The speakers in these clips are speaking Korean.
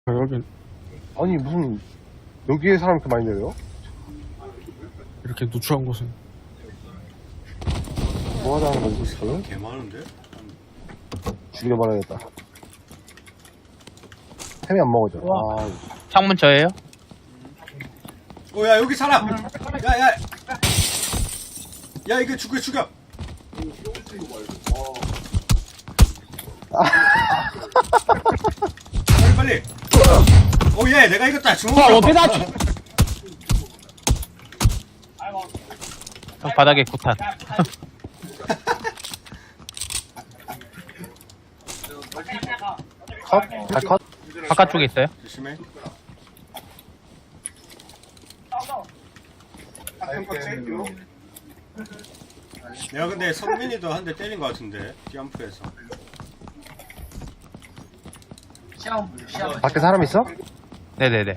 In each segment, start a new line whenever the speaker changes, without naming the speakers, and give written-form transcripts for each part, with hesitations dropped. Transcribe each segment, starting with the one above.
여기
아니 무슨 여기에 사람 이렇게 많이 내려요?
이렇게 누추한 곳은
뭐 하자는 거지 지금?
개 많은데?
죽여버려야겠다. 템이 안 먹어져. 아,
창문 저예요?
야 여기 사람! 야야! 야 이거 죽여! 빨리! 오예 내가 이겼다 주먹!
어떻게 다 형 바닥에 구탄.
컷? 다 컷?
바깥쪽에 있어요?
조심해. 내가 근데 성민이도 한 대 때린 것 같은데 점프에서.
밖에 사람 있어?
네네네.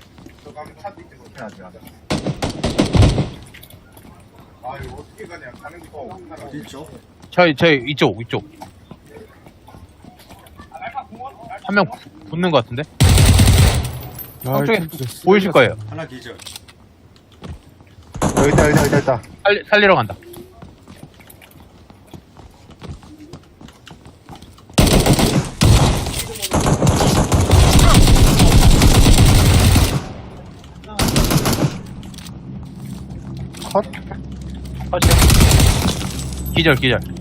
어디 있죠?
저희 이쪽. 한 명 붙는 것 같은데? 저쪽에 보이실 거예요.
하나 기절.
여기 있다.
살리러 간다.
컷?
기절.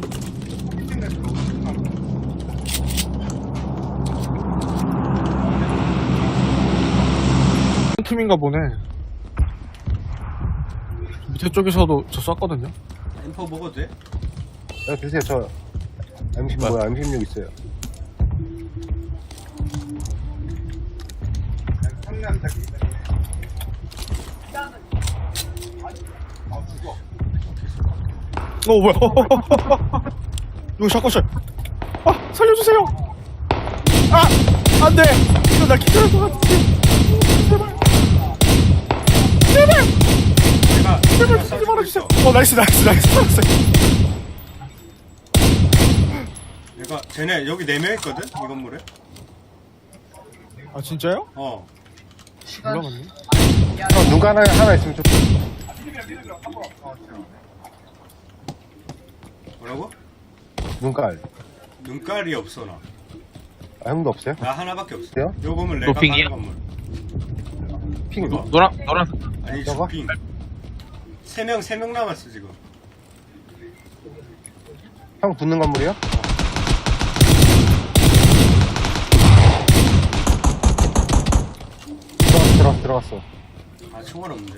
한 팀인가 보네. 밑에 쪽에서도 저 쐈거든요.
엠퍼 먹어도 돼?
야, 드세요. 저 M10 뭐야? M16 있어요.
뭐야? 이거 샷건샷. 아, 살려주세요. 아, 안 돼. 이거 나 기절할 것 같은데. 제발.
내가
쓰지 말아주세요. 나이스.
내가 쟤네 여기 4명 있거든? 이 건물에?
아, 진짜요?
어.
몰라봤네.
형, 눈가 하나 있으면 좀.
뭐라고?
눈깔.
눈깔이 없어 나.
아, 형도 없어요?
나 하나밖에 없어.
없어요?
요 건물 내가
노핑이야?
가는 건물.
핑.
이거?
노란
아니
저거?
주핑. 3명 남았어 지금.
형 붙는 건물이요? 들어갔어.
아 총알 없는데?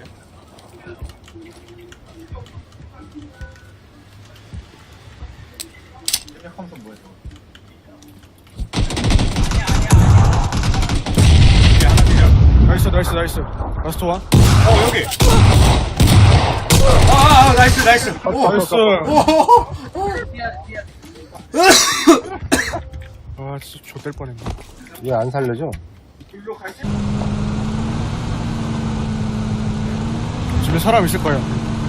이게 하나 기절.
나이스. 라스트 원.
여기. 나이스. 오,
나이스.
오.
아, 진짜 좆될 뻔했네.
얘 안 살려줘?
집에 사람 있을 거예요.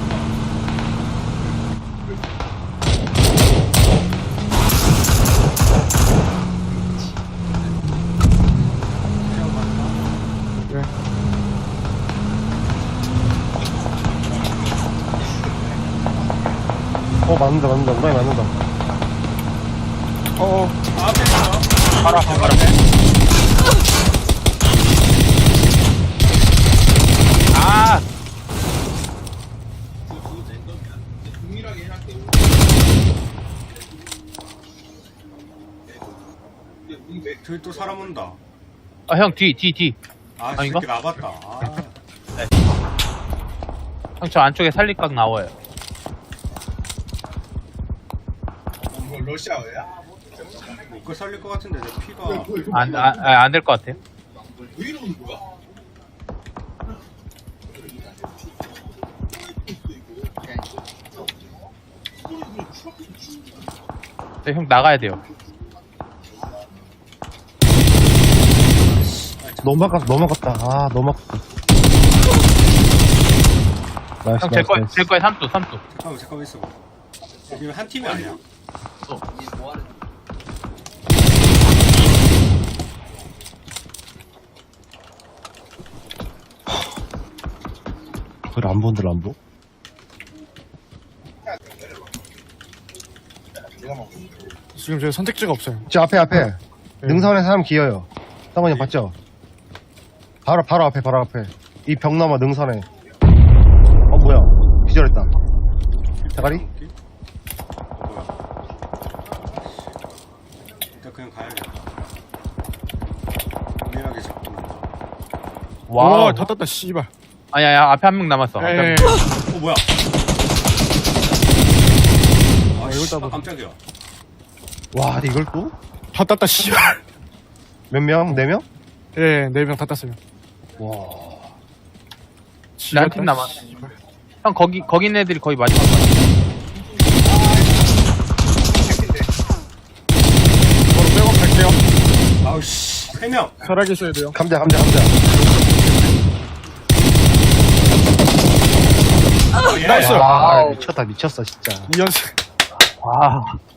네.
맞는다. 우라이 맞는다.
앞에 있어.
바로 아,
저기 또 사람 온다.
형 뒤.
아,
아닌가?
새끼 나봤다. 아,
형 저 안쪽에 살릴각 나와요.
못 살릴 것 같은데 내 피가.
안 될 것 같아요. 네, 형 나가야 돼요.
너무 아깝다. 아, 너무 아깝다. 나이스,
형 제 거에 3도.
잠깐만 있어. 지금 한 팀이 아니야.
그 람보인데, 람보?
지금 저희 선택지가 없어요.
저 앞에.
네.
능선에 사람 기어요. 쌍원이 형 봤죠? 바로 앞에. 이 벽 넘어 능선에. 뭐야. 기절했다. 대가리?
뭐야? 일단 그냥 가야겠다. 미안하게 잡고.
와우.
다 땄다, 씨발.
아니야, 앞에 한 명 남았어. 앞에 한
에
명.
뭐야? 아,
이걸
씨,
따봐.
깜짝이야.
와, 근데 이걸 또?
다 땄다, 씨발.
몇 명? 4명?
예, 4명 다 땄어요.
와.
난 팀 남았어. 형, 거기 있는 애들이 거의 마지막 거야.
바로 백업 갈게요.
아우, 씨. 3명.
살아계셔야 돼요.
감자.
예.
나이스.
와, 미쳤다, 진짜.
2연승.
와.